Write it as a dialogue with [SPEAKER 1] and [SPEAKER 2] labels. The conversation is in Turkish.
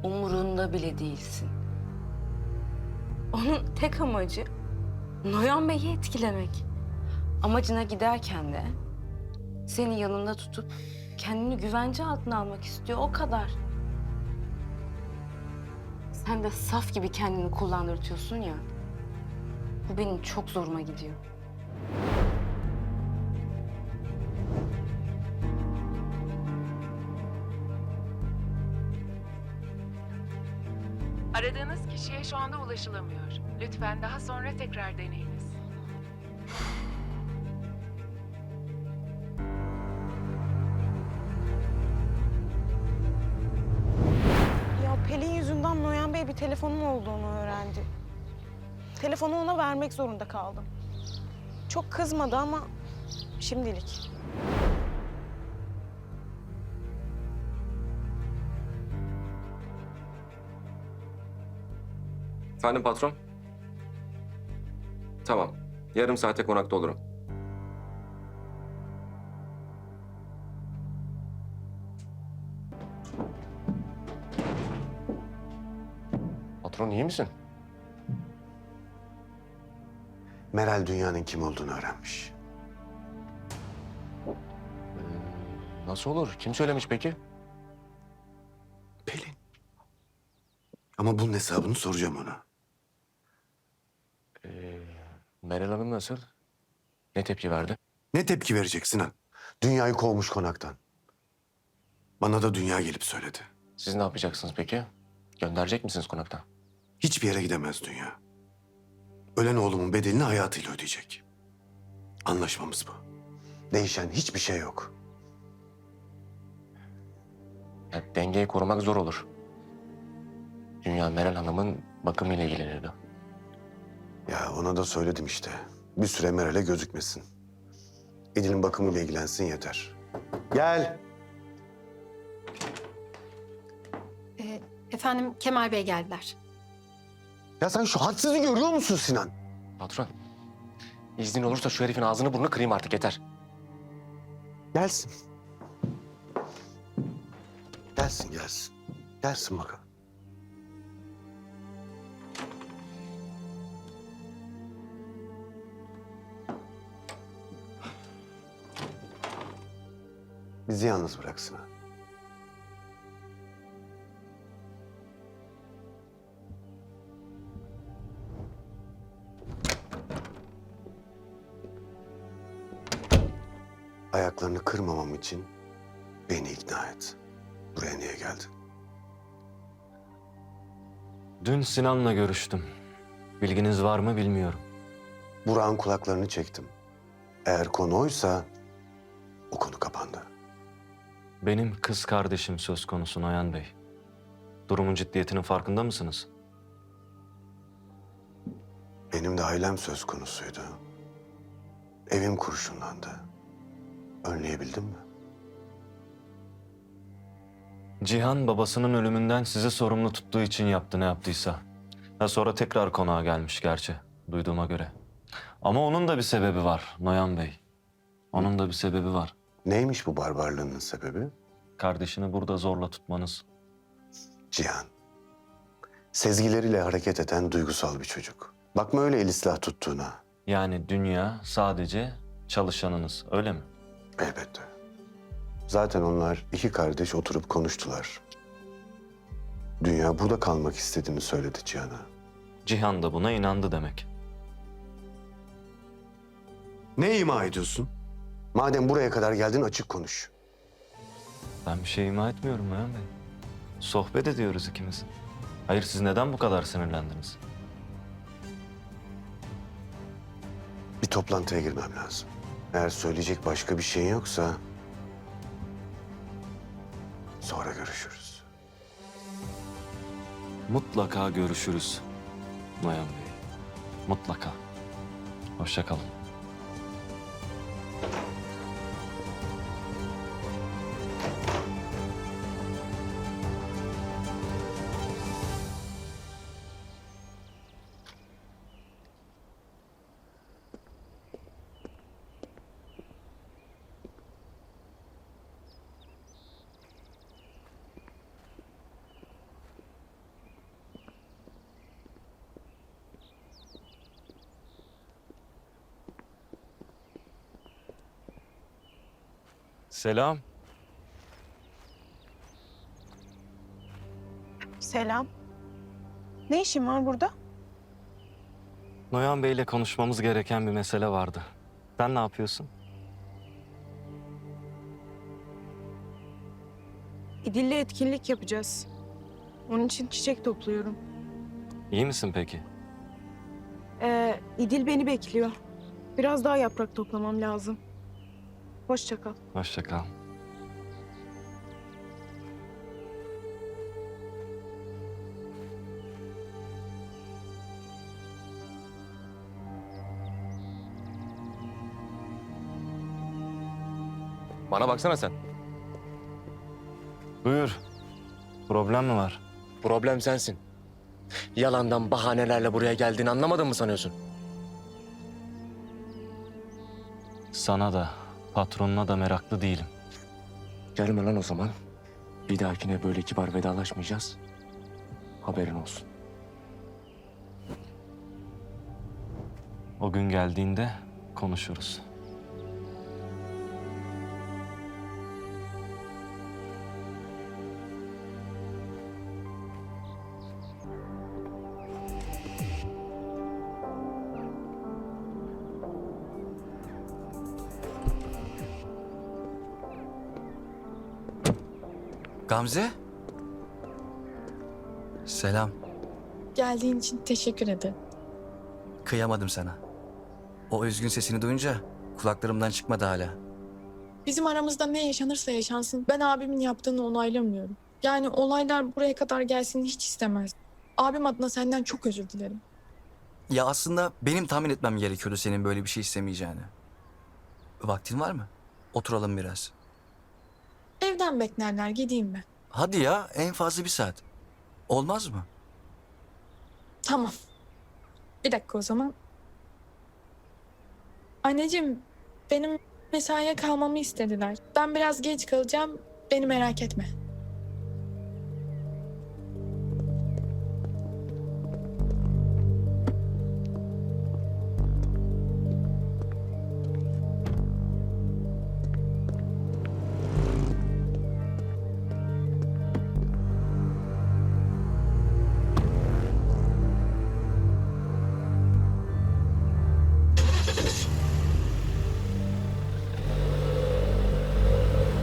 [SPEAKER 1] Umurunda bile değilsin. Onun tek amacı Noyan Bey'i etkilemek. Amacına giderken de seni yanında tutup kendini güvence altına almak istiyor, o kadar. Sen de saf gibi kendini kullandırtıyorsun ya. Bu benim çok zoruma gidiyor.
[SPEAKER 2] Aradığınız kişiye şu anda ulaşılamıyor. Lütfen daha sonra tekrar deneyiniz.
[SPEAKER 3] Ya Pelin yüzünden Noyan Bey bir telefonum olduğunu öğrendi. Telefonu ona vermek zorunda kaldım. Çok kızmadı ama şimdilik.
[SPEAKER 4] Efendim patron? Tamam. Yarım saate konakta olurum. Patron iyi misin?
[SPEAKER 5] Meral dünyanın kim olduğunu öğrenmiş.
[SPEAKER 4] Nasıl olur? Kim söylemiş peki?
[SPEAKER 5] Pelin. Ama bunun hesabını soracağım ona.
[SPEAKER 4] Meral Hanım nasıl? Ne tepki verdi?
[SPEAKER 5] Ne tepki verecek Sinan? Dünyayı kovmuş konaktan. Bana da dünya gelip söyledi.
[SPEAKER 4] Siz ne yapacaksınız peki? Gönderecek misiniz konaktan?
[SPEAKER 5] Hiçbir yere gidemez dünya. Ölen oğlumun bedelini hayatıyla ödeyecek. Anlaşmamız bu. Değişen hiçbir şey yok.
[SPEAKER 4] Ya, dengeyi korumak zor olur. Dünya Meral Hanım'ın bakımıyla ilgilenirdi.
[SPEAKER 5] Ya ona da söyledim işte. Bir süre Meral'e gözükmesin. Edil'in bakımıyla ilgilensin yeter. Gel.
[SPEAKER 6] Efendim Kemal Bey geldiler.
[SPEAKER 5] Ya sen şu hadsizliği görüyor musun Sinan?
[SPEAKER 4] Patron, iznin olursa şu herifin ağzını burnunu kırayım artık yeter.
[SPEAKER 5] Gelsin. Gelsin, gelsin. Gelsin bakalım. Bizi yalnız bıraksın ha. Ayaklarını kırmamam için beni ikna et. Buraya niye geldin?
[SPEAKER 7] Dün Sinan'la görüştüm. Bilginiz var mı bilmiyorum.
[SPEAKER 5] Burak'ın kulaklarını çektim. Eğer konu oysa o konu kapandı.
[SPEAKER 7] Benim kız kardeşim söz konusu Noyan Bey. Durumun ciddiyetinin farkında mısınız?
[SPEAKER 5] Benim de ailem söz konusuydu. Evim kurşunlandı. Önleyebildim mi?
[SPEAKER 7] Cihan babasının ölümünden sizi sorumlu tuttuğu için yaptı ne yaptıysa. Ha sonra tekrar konağa gelmiş gerçi duyduğuma göre. Ama onun da bir sebebi var Noyan Bey. Onun da bir sebebi var.
[SPEAKER 5] Neymiş bu barbarlığının sebebi?
[SPEAKER 7] Kardeşini burada zorla tutmanız.
[SPEAKER 5] Cihan. Sezgileriyle hareket eden duygusal bir çocuk. Bakma öyle el silah tuttuğuna.
[SPEAKER 7] Yani dünya sadece çalışanınız öyle mi?
[SPEAKER 5] Elbette. Zaten onlar iki kardeş oturup konuştular. Dünya burada kalmak istediğini söyledi Cihan'a.
[SPEAKER 7] Cihan da buna inandı demek.
[SPEAKER 5] Ne ima ediyorsun? Madem buraya kadar geldin açık konuş.
[SPEAKER 7] Ben bir şey ima etmiyorum Noyan Bey. Sohbet ediyoruz ikimiz. Hayır siz neden bu kadar sinirlendiniz?
[SPEAKER 5] Bir toplantıya girmem lazım. Eğer söyleyecek başka bir şeyin yoksa... sonra görüşürüz.
[SPEAKER 7] Mutlaka görüşürüz Noyan Bey. Mutlaka. Hoşça kalın. Selam.
[SPEAKER 3] Selam. Ne işin var burada?
[SPEAKER 7] Noyan Bey'le konuşmamız gereken bir mesele vardı. Sen ne yapıyorsun?
[SPEAKER 3] İdil'le etkinlik yapacağız. Onun için çiçek topluyorum.
[SPEAKER 7] İyi misin peki?
[SPEAKER 3] İdil beni bekliyor. Biraz daha yaprak toplamam lazım. Hoşça kal.
[SPEAKER 7] Hoşça kal.
[SPEAKER 4] Bana baksana sen.
[SPEAKER 7] Buyur. Problem mi var?
[SPEAKER 4] Problem sensin. Yalandan bahanelerle buraya geldiğini anlamadın mı sanıyorsun?
[SPEAKER 7] Sana da, patronuna da meraklı değilim.
[SPEAKER 4] Gelme lan o zaman. Bir dahakine böyle kibar vedalaşmayacağız. Haberin olsun.
[SPEAKER 7] O gün geldiğinde konuşuruz.
[SPEAKER 6] Gamze? Selam.
[SPEAKER 8] Geldiğin için teşekkür ederim.
[SPEAKER 6] Kıyamadım sana. O üzgün sesini duyunca kulaklarımdan çıkmadı hala.
[SPEAKER 8] Bizim aramızda ne yaşanırsa yaşansın ben abimin yaptığını onaylamıyorum. Yani olaylar buraya kadar gelsin hiç istemez. Abim adına senden çok özür dilerim.
[SPEAKER 6] Ya aslında benim tahmin etmem gerekiyordu senin böyle bir şey istemeyeceğini. Vaktin var mı? Oturalım biraz.
[SPEAKER 8] Evden beklerler gideyim ben.
[SPEAKER 6] Hadi ya, en fazla 1 saat. Olmaz mı?
[SPEAKER 8] Tamam. Bir dakika o zaman. Anneciğim benim mesaiye kalmamı istediler. Ben biraz geç kalacağım. Beni merak etme.